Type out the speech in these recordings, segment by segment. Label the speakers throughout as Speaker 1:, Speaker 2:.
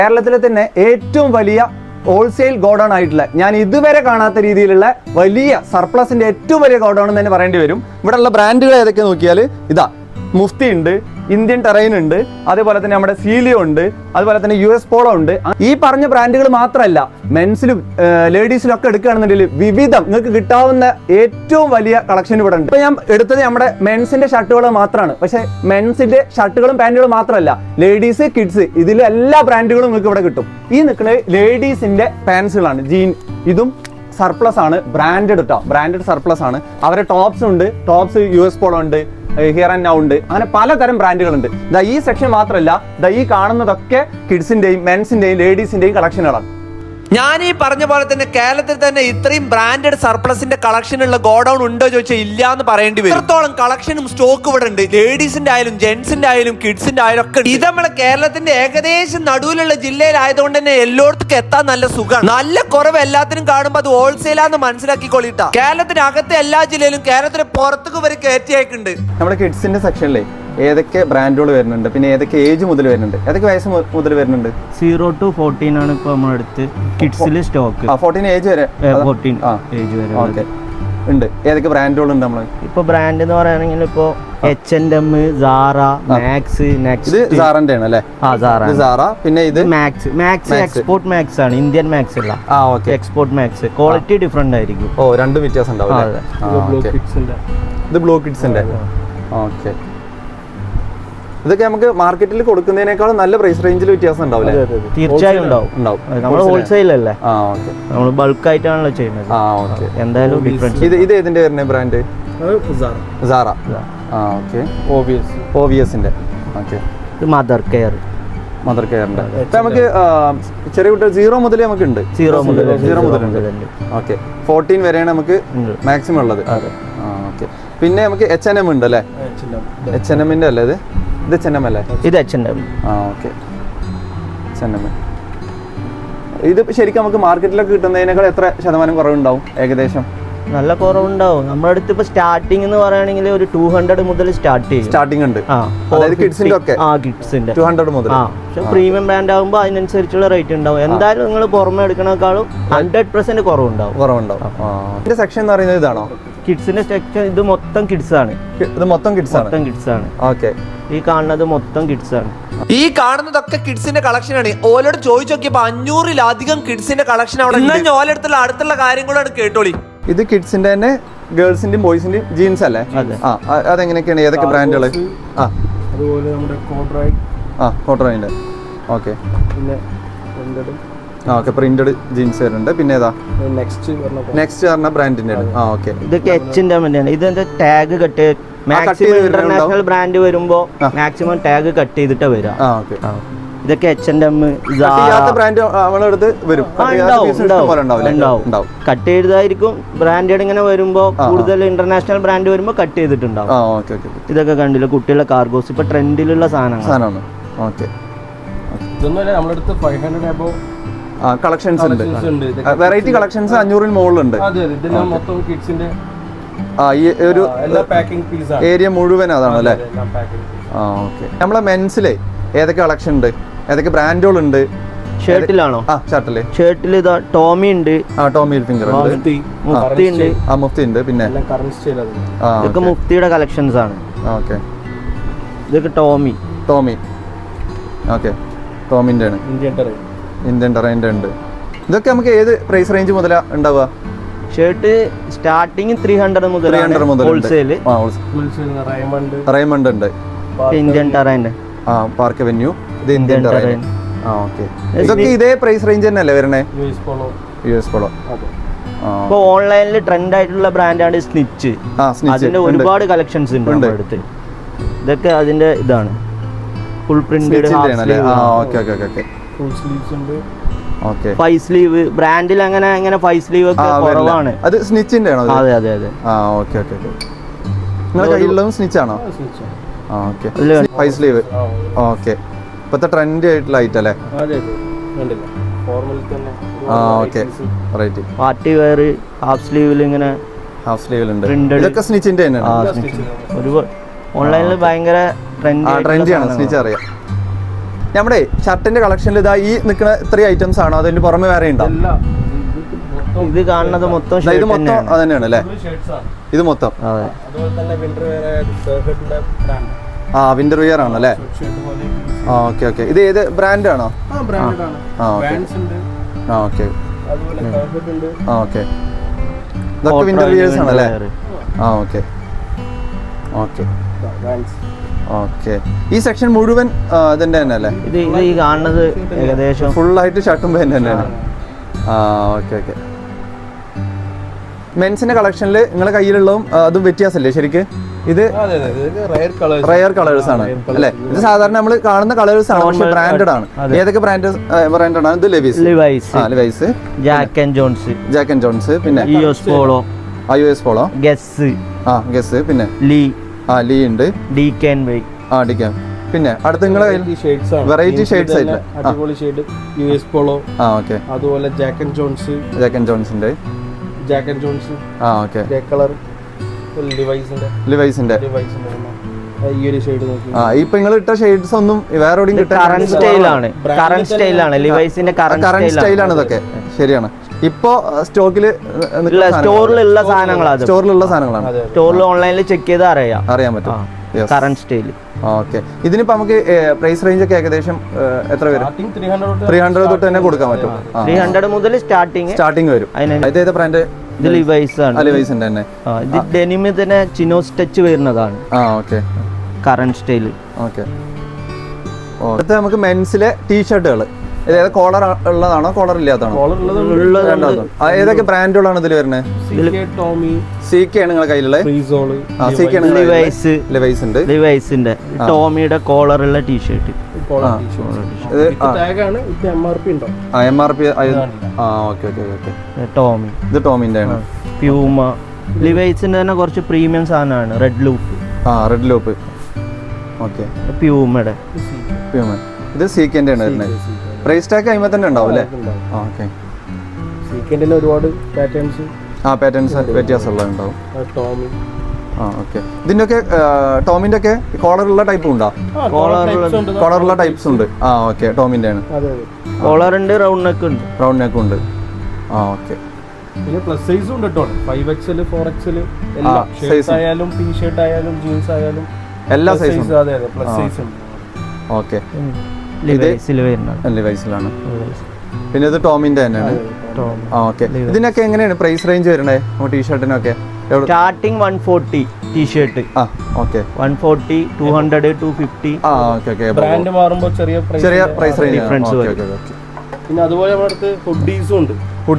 Speaker 1: കേരളത്തിലെ തന്നെ ഏറ്റവും വലിയ ഹോൾസെയിൽ ഗോഡൗൺ ആയിട്ടുള്ള ഞാൻ ഇതുവരെ കാണാത്ത രീതിയിലുള്ള വലിയ സർപ്ലസിന്റെ ഏറ്റവും വലിയ ഗോഡൗൺ എന്ന് തന്നെ പറയേണ്ടി വരും. ഇവിടെ ഉള്ള ബ്രാൻഡുകൾ ഏതൊക്കെ നോക്കിയാൽ ഇതാ മുഫ്തി ഉണ്ട്, ഇന്ത്യൻ ടെറൈൻ ഉണ്ട്, അതേപോലെ തന്നെ നമ്മുടെ സീലിയോ ഉണ്ട്, അതുപോലെ തന്നെ US പോളോ ഉണ്ട്. ഈ പറഞ്ഞ ബ്രാൻഡുകൾ മാത്രമല്ല, മെൻസിലും ലേഡീസിലും ഒക്കെ എടുക്കുകയാണെന്നുണ്ടെങ്കിൽ വിവിധം നിങ്ങൾക്ക് കിട്ടാവുന്ന ഏറ്റവും വലിയ കളക്ഷൻ ഇവിടെ ഉണ്ട്. ഇപ്പൊ ഞാൻ എടുത്തത് നമ്മുടെ മെൻസിന്റെ ഷർട്ടുകൾ മാത്രമാണ്. പക്ഷെ മെൻസിന്റെ ഷർട്ടുകളും പാന്റുകളും മാത്രമല്ല, ലേഡീസ് കിഡ്സ് ഇതിൽ എല്ലാ ബ്രാൻഡുകളും നിങ്ങൾക്ക് ഇവിടെ കിട്ടും. ഈ നിൽക്കുന്നത് ലേഡീസിന്റെ പാൻസുകളാണ്. ജീൻ ഇതും സർപ്ലസ് ആണ്, ബ്രാൻഡഡ് കേട്ടോ, ബ്രാൻഡഡ് സർപ്ലസ് ആണ്. അവരെ ടോപ്സ് ഉണ്ട്, ടോപ്സ് US പോളോ ഉണ്ട്, ഹിയർ ആൻഡ് നൗ ഉണ്ട്, അങ്ങനെ പലതരം ബ്രാൻഡുകളുണ്ട്. ഈ സെക്ഷൻ മാത്രമല്ല, ഈ കാണുന്നതൊക്കെ കിഡ്സിന്റെയും മെൻസിന്റെയും ലേഡീസിന്റെയും കളക്ഷനുകളാണ്.
Speaker 2: ഞാൻ ഈ പറഞ്ഞ പോലെ തന്നെ കേരളത്തിൽ തന്നെ ഇത്രയും ബ്രാൻഡഡ് സർപ്ലസിന്റെ കളക്ഷൻ ഉള്ള ഗോഡൌൺ ഉണ്ടോ ചോദിച്ചാൽ ഇല്ല എന്ന് പറയേണ്ടി വരും. ഇത്രത്തോളം കളക്ഷനും സ്റ്റോക്ക് ഇവിടെ ഉണ്ട്. ലേഡീസിന്റെ ആയാലും ജെന്റ്സിന്റെ ആയാലും കിഡ്സിന്റെ ആയാലും ഒക്കെ. ഇത് നമ്മുടെ കേരളത്തിന്റെ ഏകദേശം നടുവിലുള്ള ജില്ലയിലായതുകൊണ്ട് തന്നെ എല്ലായിടത്തും എത്താൻ നല്ല സുഖമാണ്. നല്ല കുറവ് എല്ലാത്തിനും കാണുമ്പോൾ അത് ഹോൾസെയിലാന്ന് മനസ്സിലാക്കിക്കൊള്ളിട്ടാ. കേരളത്തിന് അകത്തെ എല്ലാ ജില്ലയിലും കേരളത്തിന് പുറത്തേക്ക് വരെ കയറ്റിയേക്കുണ്ട്.
Speaker 1: നമ്മുടെ കിഡ്സിന്റെ സെക്ഷനിലെ ഏതൊക്കെ ബ്രാൻഡുകൾ വരുന്നുണ്ട്, പിന്നെ ഏതൊക്കെ ഏജ് മുതൽ വരുന്നുണ്ട്, ഏതൊക്കെ വയസ്സ് മുതൽ വരുന്നുണ്ട്?
Speaker 3: 0 to 14 ആണ് ഇപ്പൊ നമ്മുടെ അടുത്ത് കിഡ്സിൽ സ്റ്റോക്ക്.
Speaker 1: 14 ഏജ് വരെ
Speaker 3: 14 ഏജ് വരെ
Speaker 1: ഓക്കെ ഉണ്ട്. ഏതൊക്കെ ബ്രാൻഡുകൾ ഉണ്ട് നമ്മൾ
Speaker 3: ഇപ്പൊ? ബ്രാൻഡ് എന്ന് പറയുകയാണെങ്കിൽ ഇപ്പൊ H&M, സാറ, മാക്സ്, നെക്സ്റ്റ്.
Speaker 1: ഇത് സാറിന്റെ ആണ് അല്ലേ? ഇത് സാറ. പിന്നെ ഇത്
Speaker 3: മാക്സ് എക്സ്പോർട്ട് മാക്സ് ആണ്, ഇന്ത്യൻ മാക്സ് അല്ല. എക്സ്പോർട്ട് മാക്സ് ക്വാളിറ്റി ഡിഫറെന്റ് ആയിരിക്കും.
Speaker 1: രണ്ടും വ്യത്യാസം ഉണ്ടാവും. ഇത് ബ്ലൂ കിഡ്സിന്റെ. ഓക്കെ, ഇതൊക്കെ നമുക്ക് മാർക്കറ്റിൽ കൊടുക്കുന്നതിനേക്കാളും നല്ല പ്രൈസ് റേഞ്ചിൽ വ്യത്യാസം ഉണ്ടാവില്ലേ?
Speaker 3: തീർച്ചയായും ഉണ്ടാവും. നമ്മൾ ഹോൾസെയിൽ അല്ലേ, നമ്മൾ ബൾക്ക് ആയിട്ടാണല്ലോ ചെയ്യുന്നത്. എന്തായാലും ഡിഫറൻസ്.
Speaker 1: ഇത് ഏതിന്റെ വരുന്ന ബ്രാൻഡ്? സാറ. ഓക്കെ, OVSന്റെ. ഓക്കെ,
Speaker 3: ഇത് മദർ കെയറിന്റെ.
Speaker 1: ഇപ്പൊ നമുക്ക് ചെറിയ കുട്ടികൾ 0 മുതൽ നമുക്ക് ഉണ്ട്. 0 മുതലുണ്ട്. ഓക്കെ, 14 വരെയാണ് നമുക്ക് മാക്സിമം ഉള്ളത്. ഓക്കെ, പിന്നെ നമുക്ക് H&M ഉണ്ട് അല്ലേ? H&Mന്റെ അല്ലേ ഇത്? ഇത് H&M അല്ലേ?
Speaker 3: ഇത് H&M.
Speaker 1: Okay, H&M. ഇത് ശരിക്കും നമുക്ക് മാർക്കറ്റിലൊക്കെ കിട്ടുന്നതിനേക്കാൾ എത്ര ശതമാനം കുറവുണ്ടാവും ഏകദേശം?
Speaker 3: നല്ല കുറവുണ്ടാവും. നമ്മുടെ അടുത്ത് ഇപ്പൊ സ്റ്റാർട്ടിംഗ് എന്ന് പറയുകയാണെങ്കിൽ ഒരു 200 മുതൽ സ്റ്റാർട്ടിംഗ്
Speaker 1: ഉണ്ട്. അതായത് കിഡ്സിന്റെ ഒക്കെ
Speaker 3: കിഡ്സിന്റെ
Speaker 1: 200 മുതൽ.
Speaker 3: പക്ഷെ പ്രീമിയം ബ്രാൻഡ് ആകുമ്പോൾ അതിനനുസരിച്ചുള്ള റേറ്റ് ഉണ്ടാവും. എന്തായാലും നിങ്ങൾ പുറമെ എടുക്കണേക്കാളും 100% കുറവുണ്ടാവും.
Speaker 1: ഇതിന്റെ സെക്ഷൻ എന്ന് പറയുന്നത് ഇതാണോ?
Speaker 3: കിഡ്സിന്റെ സെക്ഷൻ ഇത് മൊത്തം കിഡ്സ് ആണ്.
Speaker 1: ഇത് മൊത്തം കിഡ്സ് ആണ്. ഓക്കെ,
Speaker 3: ഈ കാണുന്നത് മൊത്തം കിഡ്സ് ആണ്.
Speaker 2: ഈ കാണുന്നതൊക്കെ കിഡ്സിന്റെ കളക്ഷൻ ആണ്. ഓലോട് ചോദിച്ചു നോക്കിയപ്പോ 500-ലധികം കിഡ്സിന്റെ കളക്ഷൻ അവിടെ ഓലെടുത്തുള്ള അടുത്തുള്ള കാര്യങ്ങളാണ് കേട്ടോളി.
Speaker 1: ഇത് കിഡ്സിന്റെ തന്നെ ഗേൾസിന്റെയും ബോയ്സിന്റെയും ജീൻസ് അല്ലേ? അതെങ്ങനെയൊക്കെയാണ്? ഏതൊക്കെ ബ്രാൻഡുകൾ?
Speaker 4: അതുപോലെ നമ്മുടെ
Speaker 1: കോട്രോയിന്റെ. ഓക്കെ, ഓക്കെ, പ്രിന്റഡ് ജീൻസ് വരുന്നുണ്ട്. പിന്നെ ഏതാ നെക്സ്റ്റ് പറഞ്ഞ ബ്രാൻഡിന്റെ? ഓക്കെ,
Speaker 3: ഇതൊക്കെ H&M തന്നെയാണ്. ഇതിന്റെ tag cut maximum international brand വരുമ്പോ മാക്സിമം ടാഗ് കട്ട് ചെയ്തിട്ടാ വരിക. ഇതൊക്കെ H&M,
Speaker 1: ബ്രാൻഡ് നമ്മളെടുത്ത് വരും.
Speaker 3: കട്ട് ചെയ്തതായിരിക്കും. ബ്രാൻഡഡ് ഇങ്ങനെ വരുമ്പോ കൂടുതൽ ഇന്റർനാഷണൽ ബ്രാൻഡ് വരുമ്പോ കട്ട് ചെയ്തിട്ടുണ്ടാവും. ഇതൊക്കെ കണ്ടില്ല, കുട്ടികളുടെ കാർഗോസ് ഇപ്പൊ ട്രെൻഡിലുള്ള സാധനമാണ്.
Speaker 1: ഓക്കെ,
Speaker 4: നമ്മളെടുത്ത് 500 above
Speaker 1: കളക്ഷൻസ് ഉണ്ട്. വെറൈറ്റി കളക്ഷൻസ് 500-ന് മുകളിലുണ്ട്. ഒരു ഏരിയ മുഴുവൻ അതാണ് അല്ലേ? ഓക്കെ, നമ്മളെ മെൻസിലെ ഏതൊക്കെ കളക്ഷൻ ഉണ്ട്, ഏതൊക്കെ ബ്രാൻഡുകളുണ്ട്?
Speaker 3: ഷർട്ടിലാണോ? ഷർട്ടിൽ ഇതാ ടോമി ഉണ്ട്,
Speaker 1: ടോമി ഹിൽഫിംഗർ ഉണ്ട്,
Speaker 3: മുഫ്തി ഉണ്ട്.
Speaker 1: മുഫ്തി ഉണ്ട്. പിന്നെ
Speaker 3: ഇതൊക്കെ മുഫ്തിയുടെ കളക്ഷൻസ് ആണ്.
Speaker 1: ഓക്കെ,
Speaker 3: ഇതൊക്കെ ടോമി.
Speaker 1: ഓക്കെ, ടോമിന്റെ ആണ്. ഇന്ത്യൻ ടെറൈൻ്റെ ഉണ്ട്. ഇതൊക്കെ നമുക്ക് ഏത് പ്രൈസ് റേഞ്ച് മുതലാ ഉണ്ടാവുക?
Speaker 3: ഷർട്ട് സ്റ്റാർട്ടിങ് 300 മുതൽ ഹോൾസെയിൽ.
Speaker 1: റൈമണ്ട് ഉണ്ട്,
Speaker 3: ഇന്ത്യൻ ടെറൈൻ്റെ.
Speaker 1: പാർക്ക് അവന്യൂ, ഇത് ഇന്ത്യൻ ടെറൈൻ. ഓക്കെ, ഇതൊക്കെ ഇതേ പ്രൈസ് റേഞ്ച് തന്നെയല്ലേ വരണേ? US polo.
Speaker 3: ഇപ്പൊ ഓൺലൈനിൽ ട്രെൻഡ് ആയിട്ടുള്ള ബ്രാൻഡാണ് സ്നിച്ച്. അതിന്റെ ഒരുപാട് കളക്ഷൻസ് ഉണ്ട് നമ്മുടെ അടുത്ത്. ഇതൊക്കെ അതിന്റെ ഇതാണ് ഫുൾ പ്രിന്റഡ്. ഫൈവ് സ്ലീവ് ബ്രാൻഡിൽ അങ്ങനെ 5 സ്ലീവ് ഒക്കെ കുറവാണ്.
Speaker 1: അത് സ്നിച്ചിന്റെ ആണോ?
Speaker 3: അതെ.
Speaker 1: ഓക്കെ, നിങ്ങളുടെ കയ്യിലുള്ളതും സ്നിച്ച് ആണോ? Okay, 5 sleeve. ഓക്കെ, ഇപ്പത്തെ ട്രെൻഡി ആയിട്ടുള്ള ഐറ്റം അല്ലേ? Okay, right.
Speaker 3: Party wear half സ്ലീവിലുണ്ട്.
Speaker 1: ഇതൊക്കെ സ്നിച്ചിന്റെ തന്നെയാണ്.
Speaker 3: ഒരുപാട് ഓൺലൈനിൽ ഭയങ്കര ട്രെൻഡിയാണ്
Speaker 1: സ്നിച്ച് അറിയാം. നമ്മുടെ ഷർട്ടിന്റെ കളക്ഷനിൽ ഇതാ ഈ നിൽക്കുന്ന ഇത്രയും ഐറ്റംസ് ആണോ അതിന്റെ പുറമെ വേറെ ഉണ്ടോ?
Speaker 3: ഇത് കാണുന്നത് മൊത്തം
Speaker 1: ഇത്
Speaker 3: shirt
Speaker 1: മൊത്തം
Speaker 3: തന്നെയാണ്.
Speaker 1: അത് തന്നെയാണ് അല്ലേ?
Speaker 4: ഷർട്ട്സ് ആണ്.
Speaker 1: ഇത് മൊത്തം
Speaker 3: അതെ.
Speaker 4: അതുപോലെ തന്നെ വിന്റർ വെയർ സർഫെറ്റിന്റെ ബ്രാൻഡ്.
Speaker 1: വിന്റർ വിയർ ആണ് അല്ലേ?
Speaker 4: ഷർട്ട് പോലെ
Speaker 1: ഓക്കെ ഇത് ഏത് ബ്രാൻഡ് ആണോ?
Speaker 4: ബ്രാൻഡഡ് ആണ്.
Speaker 1: ഓക്കെ
Speaker 4: ബാൻഡ്സ് ഉണ്ട്.
Speaker 1: ഓക്കെ
Speaker 4: അതുപോലെ സർഫെറ്റ് ഉണ്ട്.
Speaker 1: ഓക്കെ ഇതൊക്കെ വിന്റർ വിയേഴ്സ് ആണല്ലേ? Okay
Speaker 4: bands.
Speaker 1: ഓക്കെ ഈ സെക്ഷൻ മുഴുവൻ ഇതിന്റെ തന്നെ അല്ലേ?
Speaker 3: ഇത് ഈ കാണുന്നത് ഏകദേശം
Speaker 1: ഫുള്ളായിട്ട് ഷർട്ടും പാൻറ് തന്നെയാണ്. ഓക്കെ മെൻസിന്റെ കളക്ഷനിൽ നിങ്ങളുടെ കയ്യിലുള്ളതും അതും വ്യത്യാസമല്ലേ ശരിക്ക്? ഇത്
Speaker 4: അതെ ഇത് റയർ കളേഴ്സ്.
Speaker 1: റയർ കളേഴ്സ് ആണ് അല്ലേ? ഇത് സാധാരണ നമ്മൾ കാണുന്ന കളേഴ്സ് ആണ്, പക്ഷെ ബ്രാൻഡഡ് ആണ്. ഏതൊക്കെ ബ്രാൻഡഡ് ആണ്? ഇത് Levi's,
Speaker 3: Jack and Jones,
Speaker 1: Jack and Jones, പിന്നെ
Speaker 3: US Polo,
Speaker 1: US Polo, Guess, പിന്നെ
Speaker 3: ലീ
Speaker 1: ലീ ഉണ്ട്,
Speaker 3: DKNY,
Speaker 1: ഡിക്കാൻ. പിന്നെ അടുത്ത നിങ്ങളെ
Speaker 4: ഷെയ്ഡ്സ് ആണ്.
Speaker 1: വെറൈറ്റി ഷെയ്ഡ്സ് ആയിട്ട്
Speaker 4: അടിപൊളി ഷെയ്ഡ് യുഎസ് പോളോ.
Speaker 1: ഓക്കെ
Speaker 4: അതുപോലെ Jack and Jones,
Speaker 1: Jack and ജോൺസിന്റെ ഓക്കെ
Speaker 4: ഗ്രേ കളർ. ലിവൈസിന്റെ ഈ ഒരു ഷെയ്ഡ് നോക്കി.
Speaker 1: ഇപ്പൊ നിങ്ങൾ ഇട്ട ഷെയ്ഡ്സ് ഒന്നും വേറെ എവിടെയും
Speaker 3: കറന്റ് സ്റ്റൈലാണ് ലിവൈസിന്റെ
Speaker 1: കറന്റ് സ്റ്റൈലാണ് ഇതൊക്കെ. ശരിയാണ്. ഇപ്പൊ
Speaker 3: സ്റ്റോറിലുള്ള സാധനങ്ങളാണ്. സ്റ്റോറിൽ ഓൺലൈനിൽ ചെക്ക് ചെയ്ത് അറിയാൻ പറ്റും കറന്റ് സ്റ്റൈല്.
Speaker 1: ഓക്കെ ഇതിനിപ്പോ നമുക്ക് പ്രൈസ് റേഞ്ച് ഒക്കെ ഏകദേശം എത്ര വരും? 300 തൊട്ട് തന്നെ കൊടുക്കാൻ പറ്റും.
Speaker 3: 300 മുതൽ സ്റ്റാർട്ടിങ്
Speaker 1: വരും. ഇത് ബ്രാൻഡ്?
Speaker 3: ഇത് ലിവൈസ് ആണ്.
Speaker 1: ലിവൈസിന്റെ തന്നെ.
Speaker 3: ഇത് ഡെനിമിൽ തന്നെ ചിനോസ് ടച്ച് വരുന്നതാണ്.
Speaker 1: Okay
Speaker 3: current style.
Speaker 1: ഓക്കെ അടുത്ത നമുക്ക് മെൻസിലെ ടീഷർട്ടുകൾ. ഏതാ കോളർ ഉള്ളതാണോ കോളർ ഇല്ലാത്തതാണോ? ഏതൊക്കെ ബ്രാൻഡുകളാണ് ഇതിൽ വരുന്നത്? CK ആണ് നിങ്ങളുടെ കയ്യിലുള്ളത്?
Speaker 3: ലിവൈസിന്റെ ടോമിയുടെ കോളറുള്ള ടീഷർട്ട്.
Speaker 1: MRP.
Speaker 3: ടോമി.
Speaker 1: ഇത് ടോമിന്റെ ആണ്.
Speaker 3: പ്യൂമ. ലിവൈസിന്റെ തന്നെ കുറച്ച് പ്രീമിയം സാധനമാണ്. Red loop. ഓക്കെ
Speaker 1: പ്യൂമയുടെ. ഇത് CKന്റെ ആണ് വരുന്നത്. പ്രൈസ് ടാഗ് കഴിയുമ്പോൾ തന്നെ ഉണ്ടാവും അല്ലേ? ഓക്കെ
Speaker 4: ഒരുപാട് പാറ്റേൺസ്
Speaker 1: വ്യത്യാസമുള്ളതുണ്ടാവും. ഓക്കെ ഇതിന്റെ ഒക്കെ ടോമിന്റെ ഒക്കെ കോളറുള്ള ടൈപ്പ് ഉണ്ടോ? കോളറുള്ള ടൈപ്സ് ഉണ്ട്. ഓക്കെ ടോമിന്റെ ആണ്.
Speaker 3: കോളർ ഉണ്ട്, റൗണ്ട് നെക്ക് ഉണ്ട്.
Speaker 1: ഓക്കെ
Speaker 4: പിന്നെ പ്ലസ് സൈസും ഉണ്ട് കേട്ടോ. 5XL 4XL എല്ലാ ഷർട്ട് ആയാലും ടീ-ഷർട്ട് ആയാലും ജീൻസ് ആയാലും
Speaker 1: എല്ലാ സൈസും.
Speaker 4: അതെ പ്ലസ് സൈസ് ഉണ്ട്.
Speaker 1: ഓക്കെ
Speaker 3: ലിവൈസിലാണ്.
Speaker 1: പിന്നെ ഇത് ടോമിന്റെ തന്നെയാണ്. ഓക്കെ ഇതിനൊക്കെ എങ്ങനെയാണ് പ്രൈസ് റേഞ്ച് വരുന്നത് ടീഷർട്ടിനൊക്കെ?
Speaker 3: Starting 140 T shirt.
Speaker 1: ഓക്കെ
Speaker 3: 140, 200, 250.
Speaker 4: ബ്രാൻഡ് മാറുമ്പോൾ ചെറിയ
Speaker 1: പ്രൈസ് റേഞ്ച്
Speaker 3: ഡിഫറൻസ്.
Speaker 4: പിന്നെ അതുപോലെ നമ്മുടെ അടുത്ത് ഹുഡീസ് ഉണ്ട്.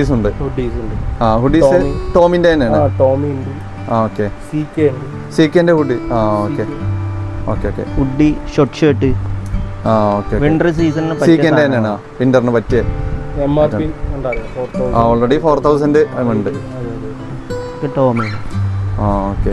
Speaker 1: ഹുഡീസ് ടോമിന്റെ തന്നെയാണ്.
Speaker 4: ടോമി ഉണ്ട്.
Speaker 1: ഓക്കെ
Speaker 4: CKന്റെ
Speaker 1: hoodie. Okay
Speaker 3: hoodie short shirt. Winter സീസണിന്
Speaker 1: CKന്റെ തന്നെയാണ്. വിന്ററിന് പറ്റിയ
Speaker 4: MRP
Speaker 1: ഓൾറെഡി 4000 ഉണ്ട്.
Speaker 3: ടോമി.
Speaker 1: Okay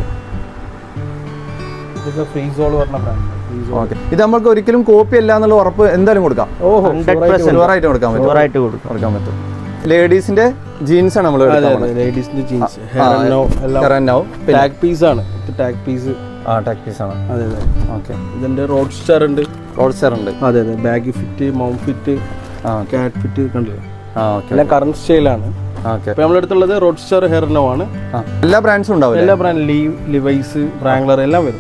Speaker 4: brand.
Speaker 1: ഇത് നമുക്ക് ഒരിക്കലും കോപ്പി അല്ല എന്നുള്ള ഉറപ്പ് എന്തായാലും കൊടുക്കാം. 100% കൊടുക്കാൻ പറ്റും. ലേഡീസിന്റെ ജീൻസ് ആണ് നമ്മൾ
Speaker 4: ലേഡീസിന്റെ ജീൻസ്.
Speaker 1: ടാഗ്
Speaker 4: പീസ് ആണ്. ടാഗ് പീസ്
Speaker 1: ആണ്.
Speaker 4: അതെ.
Speaker 1: ഓക്കെ
Speaker 4: ഇതിന്റെ റോഡ് സ്റ്റാർ ഉണ്ട്.
Speaker 1: അതെ
Speaker 4: bag fit, mount fit, cat fit കണ്ടില്ലേ?
Speaker 1: ഓക്കെ
Speaker 4: എല്ലാം കറന്റ് സ്റ്റൈലാണ്.
Speaker 1: ഓക്കെ
Speaker 4: നമ്മുടെ അടുത്തുള്ളത് റോഡ് സ്റ്റാർ, ഹെയർനോ ആണ്.
Speaker 1: എല്ലാ ബ്രാൻഡ്സും ഉണ്ടാവും.
Speaker 4: എല്ലാ ബ്രാൻഡ് ലിവൈസ്, റാംഗ്ലർ എല്ലാം വരും.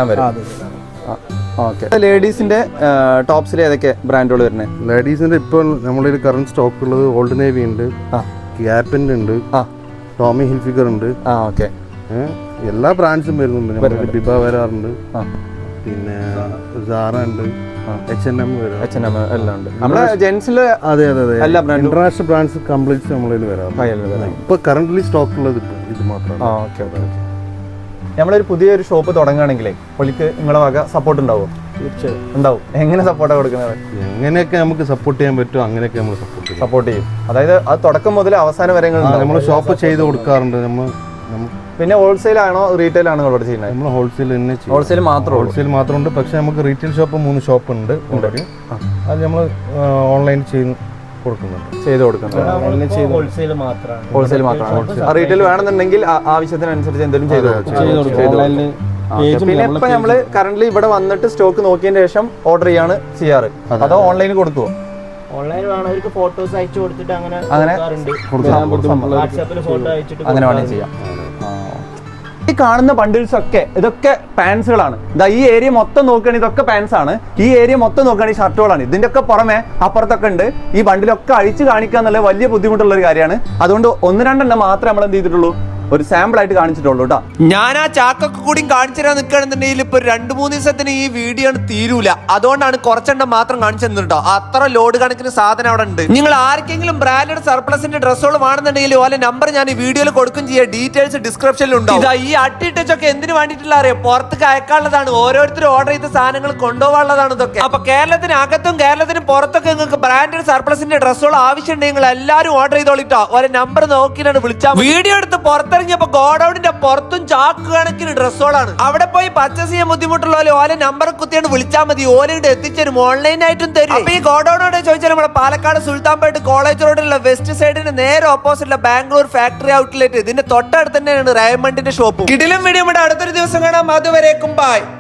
Speaker 1: ഓക്കെ ലേഡീസിന്റെ ടോപ്സിൽ ഏതൊക്കെ ബ്രാൻഡുകൾ വരുന്നത്?
Speaker 5: ലേഡീസിന്റെ ഇപ്പോൾ നമ്മുടെ കറന്റ് സ്റ്റോക്ക് ഉള്ളത് ഓൾഡ് നേവി ഉണ്ട്, ഗ്യാപ്പിന്റെ ഉണ്ട്, ടോമി ഹിൽഫിഗർ ഉണ്ട്.
Speaker 1: ഓക്കെ
Speaker 5: എല്ലാ ബ്രാൻഡ്സും വരുന്നുണ്ട്. ബിബ വരാറുണ്ട്, പിന്നെ സാറ ഉണ്ട്, H&M
Speaker 1: എല്ലാം ഉണ്ട്. നമ്മുടെ ജെൻസില്
Speaker 5: അതെ
Speaker 1: എല്ലാ ബ്രാൻഡും
Speaker 5: ഇന്റർനാഷണൽ ബ്രാൻഡ്സ് കംപ്ലീറ്റ് നമ്മളിൽ വരാറുണ്ട്. ഇപ്പൊ കറന്റ്ലി സ്റ്റോക്ക് ഉള്ളത് ഇത് മാത്രമാണ്.
Speaker 1: ഓക്കെ നമ്മളൊരു പുതിയൊരു ഷോപ്പ് തുടങ്ങുകയാണെങ്കിലേ പുള്ളിക്ക് നിങ്ങളുടെ വക സപ്പോർട്ട് ഉണ്ടാവുമോ?
Speaker 4: തീർച്ചയായും
Speaker 1: ഉണ്ടാവും. എങ്ങനെ സപ്പോർട്ടാണ് കൊടുക്കുന്നത്?
Speaker 5: എങ്ങനെയൊക്കെ നമുക്ക് സപ്പോർട്ട് ചെയ്യാൻ പറ്റുമോ അങ്ങനെയൊക്കെ നമ്മൾ
Speaker 1: സപ്പോർട്ട് ചെയ്യും. അതായത് അത് തുടക്കം മുതൽ അവസാനം വരെ
Speaker 5: നമ്മൾ ഷോപ്പ് ചെയ്ത് കൊടുക്കാറുണ്ട്.
Speaker 1: പിന്നെ ഹോൾസെയിൽ ആണോ റീറ്റെയിൽ ആണോ ഇവിടെ ചെയ്യുന്നത്?
Speaker 5: നമ്മൾ ഹോൾസെയിൽ തന്നെ ചെയ്യും.
Speaker 1: ഹോൾസെയിൽ
Speaker 5: മാത്രമുണ്ട്. പക്ഷെ നമുക്ക് റീറ്റെയിൽ ഷോപ്പ് 3 ഷോപ്പ് ഉണ്ട് ഓൾറെഡി. അത് നമ്മൾ ഓൺലൈൻ ചെയ്ത് കൊടുക്കുന്നുണ്ട്.
Speaker 3: ഹോൾസെയിൽ മാത്രമാണ്.
Speaker 1: റീറ്റെയിൽ വേണമെന്നുണ്ടെങ്കിൽ ആവശ്യത്തിനനുസരിച്ച് എന്തെങ്കിലും ചെയ്തു പിന്നെ ഇപ്പൊ നമ്മള് കറന്റ് ഇവിടെ വന്നിട്ട് സ്റ്റോക്ക് നോക്കിയതിന് ശേഷം ഓർഡർ ചെയ്യാണ് ചെയ്യാറ്, അതോ ഓൺലൈനിൽ കൊടുക്കുവോ?
Speaker 3: ഓൺലൈൻ വേണവർക്ക് ഫോട്ടോസ് അയച്ചു കൊടുത്തിട്ട് അങ്ങനെ വാട്സാപ്പിൽ ഫോട്ടോ അയച്ചിട്ട്
Speaker 1: അങ്ങനെ വേണമെങ്കിൽ ചെയ്യാം. ഈ കാണുന്ന ബണ്ടിൽസ് ഒക്കെ ഇതൊക്കെ പാൻസുകളാണ്. ഇതാ ഈ ഏരിയ മൊത്തം നോക്കുകയാണെങ്കിൽ ഇതൊക്കെ പാൻസ് ആണ്. ഈ ഏരിയ മൊത്തം നോക്കുകയാണെങ്കിൽ ഷർട്ടുകളാണ്. ഇതിന്റെ ഒക്കെ പുറമെ അപ്പുറത്തൊക്കെ ഉണ്ട്. ഈ ബണ്ടിലൊക്കെ അഴിച്ച് കാണിക്കുക എന്നുള്ള വലിയ ബുദ്ധിമുട്ടുള്ള ഒരു കാര്യമാണ്. അതുകൊണ്ട് 1-2 മാത്രമേ നമ്മൾ എന്ത് ചെയ്തിട്ടുള്ളൂ, ഒരു സാമ്പിൾ ആയിട്ട് കാണിച്ചിട്ടുള്ളൂ കേട്ടോ.
Speaker 2: ഞാൻ ആ ചാക്കൊക്കെ കൂടി കാണിച്ചു തരാൻ നിൽക്കുകയാണെന്നുണ്ടെങ്കിൽ ഇപ്പൊ 2-3 ദിവസത്തിന് ഈ വീഡിയോ തീരൂല. അതുകൊണ്ടാണ് കുറച്ചെണ്ണം മാത്രം കാണിച്ചു തന്നിട്ടോ. അത്ര ലോഡ് കണക്കിന് സാധനം അവിടെ ഉണ്ട്. നിങ്ങൾ ആർക്കെങ്കിലും ബ്രാൻഡഡ് സർപ്ലസിന്റെ ഡ്രസ്സുകൾ വേണമെന്നുണ്ടെങ്കിൽ ഓലെ നമ്പർ ഞാൻ ഈ വീഡിയോയിൽ കൊടുക്കും ചെയ്യാം. ഡീറ്റെയിൽസ് ഡിസ്ക്രിപ്ഷനിൽ ഉണ്ടാവും. ഇതാ ഈ അട്ടിട്ടൊക്കെ എന്തിനു വേണ്ടിയിട്ടുള്ള അറിയാം, പുറത്തേക്ക് അയക്കാനുള്ളതാണ്. ഓരോരുത്തരും ഓർഡർ ചെയ്ത സാധനങ്ങൾ കൊണ്ടുപോകാനുള്ളതാണ് ഇതൊക്കെ. അപ്പൊ കേരളത്തിന് അകത്തും കേരളത്തിന് പുറത്തൊക്കെ നിങ്ങൾക്ക് ബ്രാൻഡഡ് സർപ്ലസിന്റെ ഡ്രസ്സുകൾ ആവശ്യമുണ്ടെങ്കിൽ എല്ലാവരും ഓർഡർ ചെയ്തോളിട്ടോ. ഓരോ നമ്പർ നോക്കിയിട്ടാണ് വിളിച്ചാൽ. വീഡിയോ എടുത്ത് പുറത്തിറങ്ങിയപ്പോ ഗോഡൌണിന്റെ പുറത്തും ചാക്ക് കണക്കിന് ഡ്രസ്സുകളാണ്. അവിടെ പോയി പർച്ചേസ് ചെയ്യാൻ ബുദ്ധിമുട്ടുള്ള ഓലെ നമ്പർ കുത്തിയാണ് വിളിച്ചാൽ മതി. ഓരോട് എത്തിച്ചേരും, ഓൺലൈനായിട്ടും തരും. അപ്പൊ ഈ ഗോഡൌണോട് ചോദിച്ചാൽ നമ്മുടെ പാലക്കാട് സുൽത്താൻപേട്ട് കോളേജ് റോഡിലുള്ള വെസ്റ്റ് സൈഡിന് നേരെ ഓപ്പോസിറ്റുള്ള ബാംഗ്ലൂർ ഫാക്ടറി ഔട്ട്ലെറ്റ്, ഇതിന്റെ തൊട്ടടുത്ത് തന്നെയാണ് റയമണ്ടിന്റെ ഷോപ്പ്. കിടിലം വീഡിയോ അടുത്തൊരു ദിവസം കാണാം. അതുവരേക്കും ബൈ.